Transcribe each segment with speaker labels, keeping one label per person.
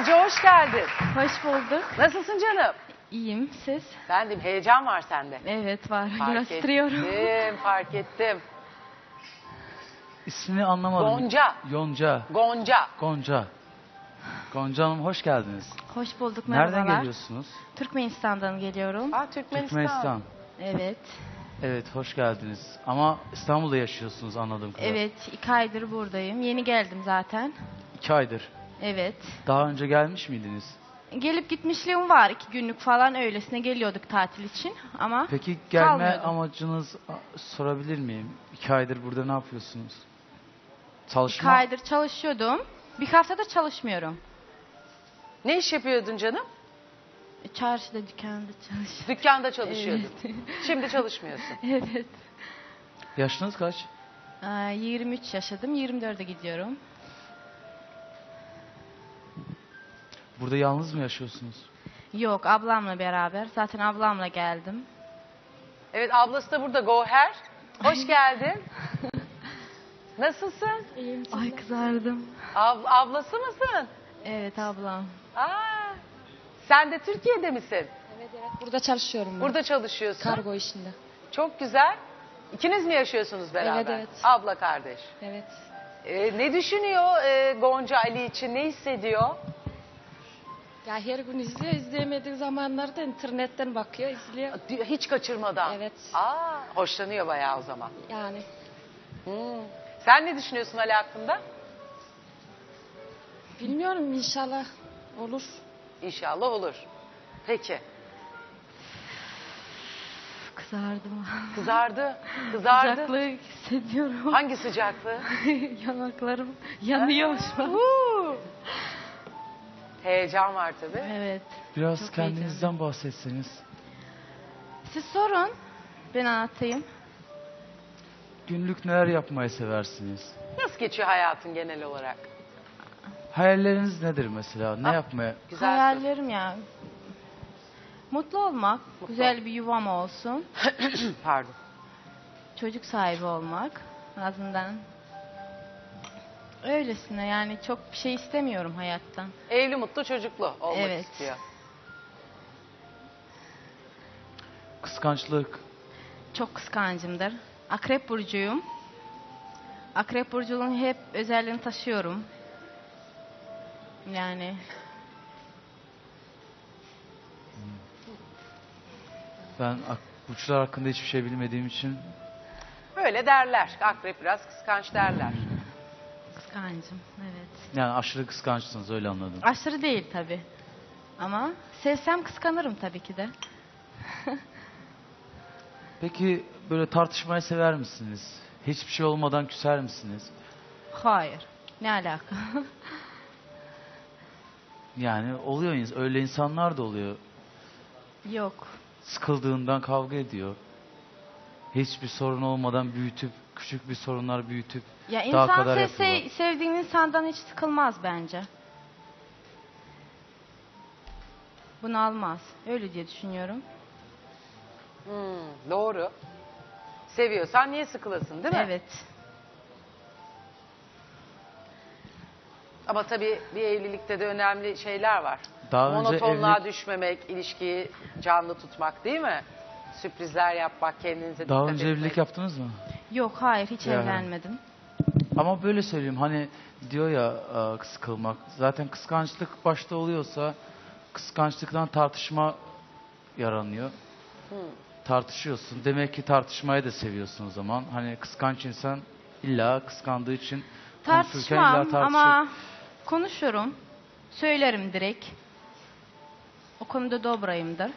Speaker 1: Gonca hoş geldin.
Speaker 2: Hoş bulduk.
Speaker 1: Nasılsın canım?
Speaker 2: İyiyim. Siz?
Speaker 1: Ben de heyecan var sende.
Speaker 2: Evet var.
Speaker 1: Fark
Speaker 2: Biraz titriyorum.
Speaker 1: fark ettim.
Speaker 3: İsmini anlamadım.
Speaker 1: Gonca.
Speaker 3: Yonca.
Speaker 1: Gonca.
Speaker 3: Gonca. Gonca Hanım hoş geldiniz.
Speaker 2: Hoş bulduk. Merhabalar.
Speaker 3: Nereden geliyorsunuz?
Speaker 2: Türkmenistan'dan geliyorum.
Speaker 1: Türkmenistan.
Speaker 2: Evet.
Speaker 3: Evet hoş geldiniz. Ama İstanbul'da yaşıyorsunuz anladığım kadarıyla.
Speaker 2: Evet. 2 aydır buradayım. Yeni geldim zaten.
Speaker 3: 2 aydır.
Speaker 2: Evet.
Speaker 3: Daha önce gelmiş miydiniz?
Speaker 2: Gelip gitmişliğim var. 2 günlük falan öylesine geliyorduk tatil için. Ama
Speaker 3: Peki gelme
Speaker 2: kalmıyordum.
Speaker 3: amacınız sorabilir miyim? 2 aydır burada ne yapıyorsunuz?
Speaker 2: 2
Speaker 3: Çalışma.
Speaker 2: aydır çalışıyordum. Bir haftada çalışmıyorum.
Speaker 1: Ne iş yapıyordun canım?
Speaker 2: Çarşıda, dükkanda çalışıyorum.
Speaker 1: Dükkanda çalışıyordun.
Speaker 2: Evet.
Speaker 1: Şimdi çalışmıyorsun.
Speaker 2: Evet.
Speaker 3: Yaşınız kaç?
Speaker 2: 23 yaşadım. 24'e gidiyorum.
Speaker 3: Burada yalnız mı yaşıyorsunuz?
Speaker 2: Yok, ablamla beraber. Zaten ablamla geldim.
Speaker 1: Evet, ablası da burada, Goher. Hoş geldin. Nasılsın?
Speaker 2: Ay kızardım.
Speaker 1: Ablası mısın?
Speaker 2: Evet ablam.
Speaker 1: Sen de Türkiye'de misin?
Speaker 4: Evet, burada çalışıyorum ben.
Speaker 1: Burada çalışıyorsun.
Speaker 4: Kargo işinde.
Speaker 1: Çok güzel. İkiniz mi yaşıyorsunuz beraber?
Speaker 4: Evet, evet.
Speaker 1: Abla kardeş.
Speaker 4: Evet.
Speaker 1: Ne düşünüyor Gonca Ali için? Ne hissediyor?
Speaker 4: Ya her gün izliyor. İzleyemediği zamanlarda internetten bakıyor, izliyor.
Speaker 1: Hiç kaçırmadan.
Speaker 4: Evet.
Speaker 1: Hoşlanıyor bayağı o zaman.
Speaker 4: Yani
Speaker 1: Sen ne düşünüyorsun Ali hakkında?
Speaker 4: bilmiyorum, inşallah olur.
Speaker 1: İnşallah olur. Peki.
Speaker 2: Kızardım.
Speaker 1: Kızardı. Kızardı.
Speaker 2: Sıcaklığı hissediyorum.
Speaker 1: Hangi sıcaklığı?
Speaker 2: Yanaklarım yanıyor şu an.
Speaker 1: Heyecan var tabii.
Speaker 2: Evet.
Speaker 3: Biraz
Speaker 2: Çok
Speaker 3: kendinizden bahsetseniz.
Speaker 2: Siz sorun. Ben anlatayım.
Speaker 3: Günlük neler yapmayı seversiniz?
Speaker 1: Nasıl geçiyor hayatın genel olarak?
Speaker 3: Hayalleriniz nedir mesela? Ne yapmaya?
Speaker 1: Güzel soru.
Speaker 2: Hayallerim ya. Mutlu olmak. Güzel bir yuvam olsun.
Speaker 1: Pardon.
Speaker 2: Çocuk sahibi olmak. En azından. Öylesine yani çok bir şey istemiyorum hayattan.
Speaker 1: Evli, mutlu, çocuklu olmak
Speaker 2: Evet.
Speaker 1: istiyor.
Speaker 3: Kıskançlık.
Speaker 2: Çok kıskancımdır. Akrep burcuyum. Akrep burcunun hep özelliğini taşıyorum. Yani
Speaker 3: Ben burçlar hakkında hiçbir şey bilmediğim için
Speaker 1: Böyle derler. Akrep biraz kıskanç derler.
Speaker 2: kıskancım. Evet.
Speaker 3: yani aşırı kıskançsınız öyle anladım.
Speaker 2: Aşırı değil tabii. Ama sevsem kıskanırım tabii ki de.
Speaker 3: Peki böyle tartışmayı sever misiniz? Hiçbir şey olmadan küser misiniz?
Speaker 2: Hayır. Ne alaka?
Speaker 3: Yani oluyor öyle insanlar da oluyor.
Speaker 2: Yok.
Speaker 3: Sıkıldığından kavga ediyor. Hiçbir sorun olmadan büyütüp küçük bir sorunlar büyütüp
Speaker 2: Ya
Speaker 3: daha
Speaker 2: insan
Speaker 3: kadar yapıyorlar.
Speaker 2: sevdiğin insandan hiç sıkılmaz bence. Bunu almaz. Öyle diye düşünüyorum.
Speaker 1: Doğru. Seviyorsan niye sıkılasın değil mi?
Speaker 2: Evet.
Speaker 1: Ama tabii bir evlilikte de önemli şeyler var.
Speaker 3: Daha önce
Speaker 1: Monotonluğa
Speaker 3: evlilik-
Speaker 1: düşmemek, ilişkiyi canlı tutmak değil mi? Sürprizler yapmak, kendinize
Speaker 3: Daha
Speaker 1: dikkat
Speaker 3: önce
Speaker 1: etmek.
Speaker 3: evlilik yaptınız mı?
Speaker 2: Yok hayır hiç
Speaker 3: Ya.
Speaker 2: evlenmedim.
Speaker 3: Ama böyle söyleyeyim hani diyor ya sıkılmak. Zaten kıskançlık başta oluyorsa kıskançlıktan tartışma yaranıyor. Tartışıyorsun. Demek ki tartışmayı da seviyorsun o zaman. Hani kıskanç insan illa kıskandığı için konuşurken illa
Speaker 2: Tartışmam
Speaker 3: tartışır.
Speaker 2: ama konuşurum. Söylerim direkt. O konuda dobrayımdır.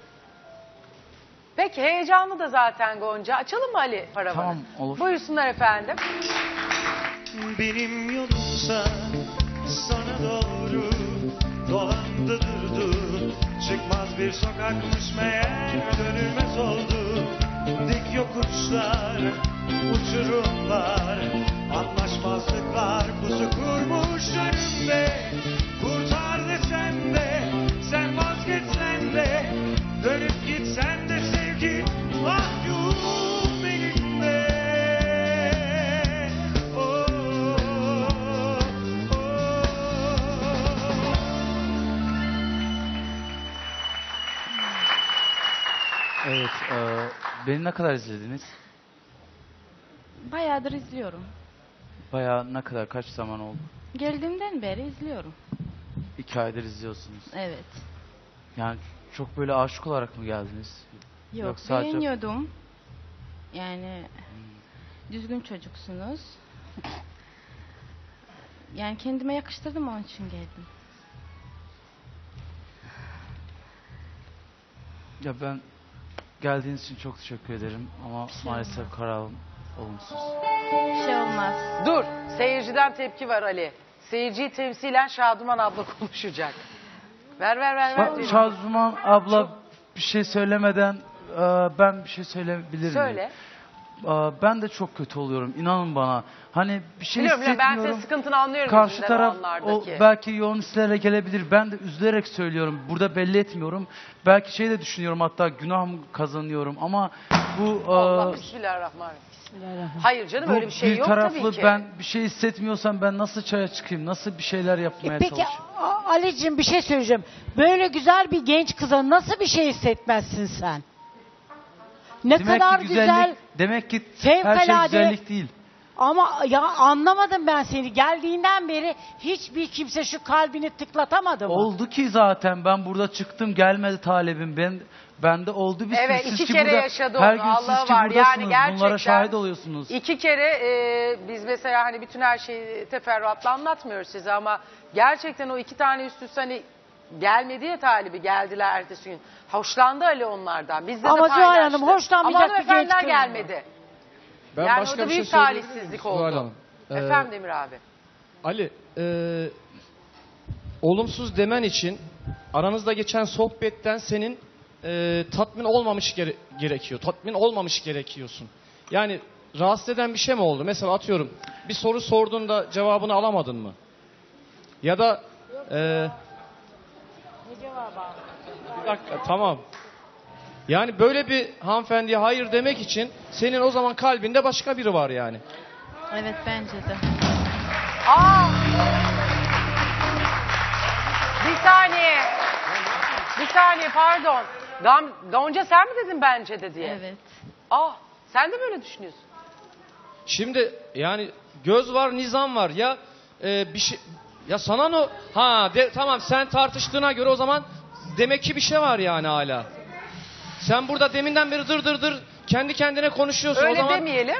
Speaker 1: Peki heyecanlı da zaten Gonca. Açalım mı Ali paravanı?
Speaker 3: Tamam, olur.
Speaker 1: Buyursunlar efendim.
Speaker 5: Benim yolumsa sana doğru dolandı durdu. Çıkmaz bir sokakmış meğer dönülmez oldu. Dik yokuşlar, uçurumlar, anlaşmazlıklar pusu kurmuş önümde. Kurtar desem de, sen vazgeçsen de, dönüp gitsen de sevgi mahkum elimde. Oh, oh, oh.
Speaker 3: Beni ne kadar izlediniz?
Speaker 2: Bayağıdır izliyorum.
Speaker 3: Bayağı ne kadar, kaç zaman oldu?
Speaker 2: Geldiğimden beri izliyorum.
Speaker 3: 2 aydır izliyorsunuz.
Speaker 2: Evet.
Speaker 3: Yani çok böyle aşık olarak mı geldiniz?
Speaker 2: Yok,
Speaker 3: sadece-
Speaker 2: beğeniyordum. Yani düzgün çocuksunuz. Yani kendime yakıştırdım, onun için geldim.
Speaker 3: Ya ben geldiğiniz için çok teşekkür ederim ama maalesef kararım olumsuz.
Speaker 2: Bir şey olmaz.
Speaker 1: Dur. Seyirciden tepki var Ali. Seyirciyi temsilen Şaduman abla konuşacak. Ver. diyor.
Speaker 3: Şazuman abla bir şey söylemeden ben bir şey söyleyebilir miyim?
Speaker 1: Söyle.
Speaker 3: Ben de çok kötü oluyorum, inanın bana. Hani bir şey
Speaker 1: Biliyorum ben
Speaker 3: hissetmiyorum.
Speaker 1: senin sıkıntını anlıyorum.
Speaker 3: Karşı
Speaker 1: yüzünden
Speaker 3: taraf
Speaker 1: o anlardaki.
Speaker 3: belki yoğun hislerle gelebilir. Ben de üzülerek söylüyorum. Burada belli etmiyorum. Belki şey de düşünüyorum, hatta günah mı kazanıyorum ama bu
Speaker 1: Allah bismillahirrahmanirrahim. Hayır canım
Speaker 3: bu
Speaker 1: öyle bir şey
Speaker 3: bir
Speaker 1: yok
Speaker 3: taraflı,
Speaker 1: tabii ki.
Speaker 3: ben bir şey hissetmiyorsam ben nasıl çaya çıkayım? Nasıl bir şeyler yapmaya
Speaker 6: Peki
Speaker 3: çalışayım?
Speaker 6: Ali'cim bir şey söyleyeceğim. Böyle güzel bir genç kıza nasıl bir şey hissetmezsin sen? Ne
Speaker 3: Demek
Speaker 6: kadar
Speaker 3: ki
Speaker 6: güzel
Speaker 3: demek ki her şey
Speaker 6: fevkalade-
Speaker 3: güzellik değil.
Speaker 6: ama ya anlamadım ben seni. Geldiğinden beri hiçbir kimse şu kalbini tıklatamadı mı?
Speaker 3: Oldu ki zaten ben burada çıktım, gelmedi talebim. Bende oldu bir
Speaker 1: Evet,
Speaker 3: sürü.
Speaker 1: iki
Speaker 3: Siz ki
Speaker 1: kere
Speaker 3: burada,
Speaker 1: yaşadı
Speaker 3: her
Speaker 1: onu,
Speaker 3: gün
Speaker 1: Allah
Speaker 3: siz ki
Speaker 1: var. Yani
Speaker 3: buradasınız.
Speaker 1: gerçekten
Speaker 3: Bunlara şahit oluyorsunuz.
Speaker 1: 2 kere biz mesela hani bütün her şeyi teferruatla anlatmıyoruz size ama gerçekten o 2 tane üst üste hani gelmedi ya talibi, geldiler ertesi gün. Hoşlandı Ali onlardan. Bizde
Speaker 6: Ama
Speaker 1: de
Speaker 6: Zuhal
Speaker 1: paylaştı.
Speaker 6: Hanım, hoşlanmayacak
Speaker 1: ama
Speaker 6: bir genç
Speaker 1: hanımefendiler
Speaker 6: kız
Speaker 1: gelmedi.
Speaker 7: Ben
Speaker 1: Yani
Speaker 7: başka
Speaker 1: o da
Speaker 7: bir şey
Speaker 1: büyük
Speaker 7: söyleyebilir miyim
Speaker 1: talihsizlik
Speaker 7: Zuhal
Speaker 1: oldu.
Speaker 7: Hanım?
Speaker 1: Efendim Demir abi.
Speaker 7: Ali, olumsuz demen için aranızda geçen sohbetten senin tatmin olmamış gerekiyor. Tatmin olmamış gerekiyorsun. Yani rahatsız eden bir şey mi oldu? Mesela atıyorum bir soru sorduğunda cevabını alamadın mı? Ya da bir dakika, tamam. Yani böyle bir hanımefendiye hayır demek için senin o zaman kalbinde başka biri var yani.
Speaker 2: Evet, bence de.
Speaker 1: Aa! Bir saniye pardon. Gonca sen mi dedin bence de diye?
Speaker 2: Evet.
Speaker 1: Sen de böyle düşünüyorsun.
Speaker 7: Şimdi yani göz var, nizam var. Ya bir şey, ya sana ne? Tamam, sen tartıştığına göre o zaman demek ki bir şey var yani hala. Sen burada deminden beri dır kendi kendine konuşuyorsun.
Speaker 1: Öyle
Speaker 7: o zaman
Speaker 1: demeyelim.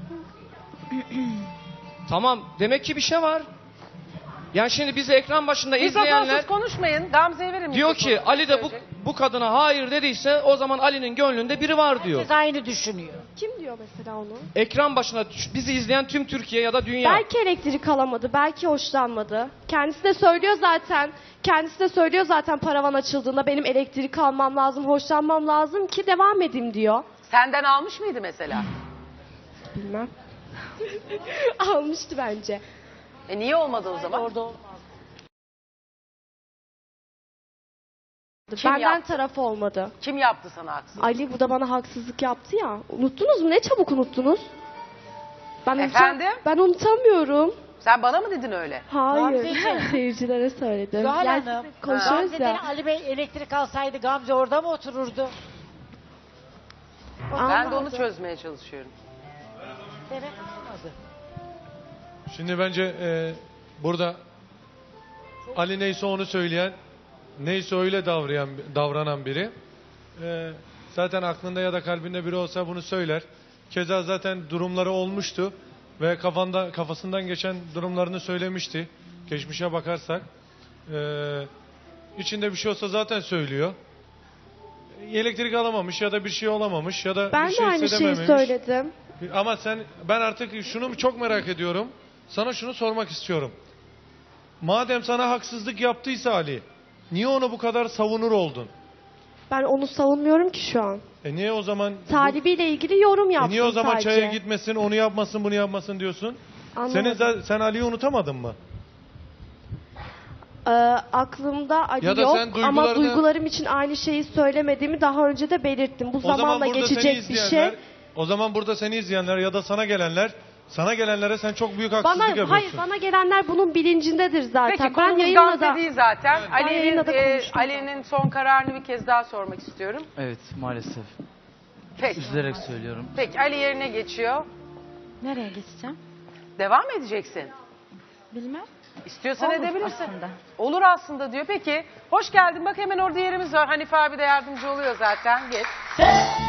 Speaker 7: tamam, demek ki bir şey var. Yani şimdi bizi ekran başında
Speaker 1: Mikrofonsuz
Speaker 7: izleyenler
Speaker 1: konuşmayın. Gamze'ye verin
Speaker 7: diyor
Speaker 1: mikrofonu.
Speaker 7: ki Ali de
Speaker 1: Söyleyecek.
Speaker 7: bu kadına hayır dediyse o zaman Ali'nin gönlünde biri var diyor.
Speaker 6: Herkes aynı düşünüyor.
Speaker 8: Kim diyor mesela onu?
Speaker 7: Ekran başına bizi izleyen tüm Türkiye ya da dünya.
Speaker 8: Belki elektrik alamadı, belki hoşlanmadı. Kendisi de söylüyor zaten paravan açıldığında benim elektrik almam lazım, hoşlanmam lazım ki devam edeyim diyor.
Speaker 1: Senden almış mıydı mesela?
Speaker 8: Bilmem. Almıştı bence.
Speaker 1: Niye olmadı o zaman?
Speaker 6: Orada olmaz.
Speaker 1: Kim
Speaker 8: Benden
Speaker 1: yaptı?
Speaker 8: taraf olmadı.
Speaker 1: Kim yaptı sana haksızlık?
Speaker 8: Ali bu da bana haksızlık yaptı ya. Unuttunuz mu? Ne çabuk unuttunuz?
Speaker 1: Efendim?
Speaker 8: Ben unutamıyorum.
Speaker 1: Sen bana mı dedin öyle?
Speaker 8: Hayır.
Speaker 6: Gamzeciğim.
Speaker 8: Seyircilere söyledim.
Speaker 6: Zuhal
Speaker 8: Yani
Speaker 6: Hanım,
Speaker 8: konuşuyoruz
Speaker 6: Gamze'den
Speaker 8: ya.
Speaker 6: Ali Bey elektrik alsaydı Gamze orada mı otururdu?
Speaker 1: Ben de onu
Speaker 8: Anladım.
Speaker 1: çözmeye çalışıyorum.
Speaker 6: Demek olmadı.
Speaker 9: Şimdi bence burada Ali neyse onu söyleyen, neyse öyle davranan biri. Zaten aklında ya da kalbinde biri olsa bunu söyler. Keza zaten durumları olmuştu ve kafasından geçen durumlarını söylemişti. Geçmişe bakarsak. İçinde bir şey olsa zaten söylüyor. Elektrik alamamış ya da bir şey olamamış ya da
Speaker 8: Ben
Speaker 9: bir
Speaker 8: de
Speaker 9: şey
Speaker 8: aynı şeyi
Speaker 9: hissedememiş.
Speaker 8: söyledim.
Speaker 9: Ama ben artık şunu çok merak ediyorum. Sana şunu sormak istiyorum. Madem sana haksızlık yaptıysa Ali, niye onu bu kadar savunur oldun?
Speaker 8: Ben onu savunmuyorum ki şu an.
Speaker 9: Niye o zaman
Speaker 8: Talibiyle ilgili yorum yaptım
Speaker 9: niye o zaman
Speaker 8: sadece.
Speaker 9: çaya gitmesin, onu yapmasın, bunu yapmasın diyorsun?
Speaker 8: Anlamadım.
Speaker 9: Sen Ali'yi unutamadın mı?
Speaker 8: Aklımda Ali
Speaker 9: Ya da
Speaker 8: yok
Speaker 9: sen
Speaker 8: ama duygularım için aynı şeyi söylemediğimi daha önce de belirttim. Bu zamanla geçecek bir şey.
Speaker 9: O zaman burada seni izleyenler ya da sana gelenlere sen çok büyük haksızlık yapıyorsun.
Speaker 8: Hayır, bana gelenler bunun bilincindedir zaten.
Speaker 1: Peki
Speaker 8: Ben
Speaker 1: konumuz
Speaker 8: yayınla
Speaker 1: Gamze
Speaker 8: da
Speaker 1: değil zaten.
Speaker 8: yayında da konuştum.
Speaker 1: Ali'nin son kararını bir kez daha sormak istiyorum.
Speaker 3: Evet, maalesef.
Speaker 1: Peki.
Speaker 3: Üzülerek söylüyorum.
Speaker 1: Peki Ali yerine geçiyor.
Speaker 2: Nereye geçeceğim?
Speaker 1: Devam mı edeceksin?
Speaker 2: Bilmem.
Speaker 1: İstiyorsan
Speaker 2: Olur
Speaker 1: edebilirsin.
Speaker 2: aslında.
Speaker 1: Olur aslında diyor. Peki hoş geldin. Bak hemen orada yerimiz var. Hanife abi de yardımcı oluyor zaten. Geç.